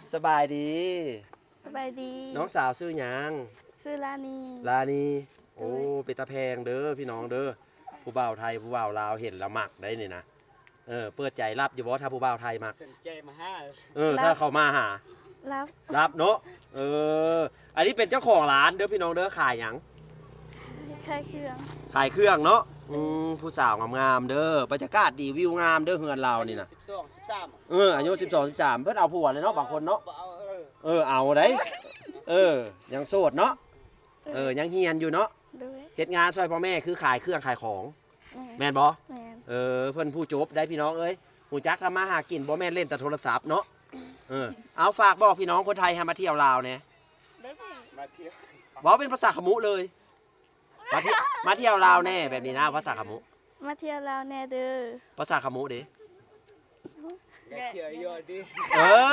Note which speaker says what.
Speaker 1: สบายดี
Speaker 2: สบายดี
Speaker 1: น้องสาวซื้อหยัง
Speaker 2: ซื้อลานี
Speaker 1: ลานีโอ้เป็นตาแพงเด้อพี่น้องเด้อผู้บ่าวไทยผู้บ่าวลาวเห็นแล้วมักได้นี่นะเปิดใจรับอยู่บ่ถ้าผู้บ่าวไทยมัก
Speaker 3: สนใจมาห้า
Speaker 1: ถ้าเขามาหา
Speaker 2: รับ
Speaker 1: รับเนาะอันนี้เป็นเจ้าของร้านเด้อพี่น้องเด้อขายหยัง
Speaker 2: คลายเครื่อง
Speaker 1: ขายเครื่องเนาะผู้สาวงามๆเด้อบรรยากาศดีวิวงามเด้อเฮือนเรานี่นะ
Speaker 3: 12 13
Speaker 1: อายุ12 13เพิ่นเอาผัวเลยเนาะบางคนเนาะ
Speaker 3: บ่เอา
Speaker 1: เอาได้ยังโสดเนาะยังเฮียนอยู่เนาะ
Speaker 2: ด้วย
Speaker 1: เฮ็ดงานช่วยพ่อแม่คือขายเครื่องขายของ
Speaker 2: แม่
Speaker 1: แม่นบ่
Speaker 2: แม่น
Speaker 1: เพิ่นผู้จบได้พี่น้องเอ้ยหูจักทำมาหากินบ่แม่นเล่นแต่โทรศัพท์เนาะเอาฝากบอกพี่น้องคนไทยให้มาเที่ยวลาวแหน่
Speaker 3: มาเที่ยว
Speaker 1: เว้าเป็นภาษาขมุเลยมาเที่ยวลาวแน่แบบนี้นะภาษาขมุ
Speaker 2: มาเที่ยวลาวแน่เด้อ
Speaker 1: ภาษาขมุเด้
Speaker 3: อยากเที่ยวอยู่ดิ
Speaker 1: เออ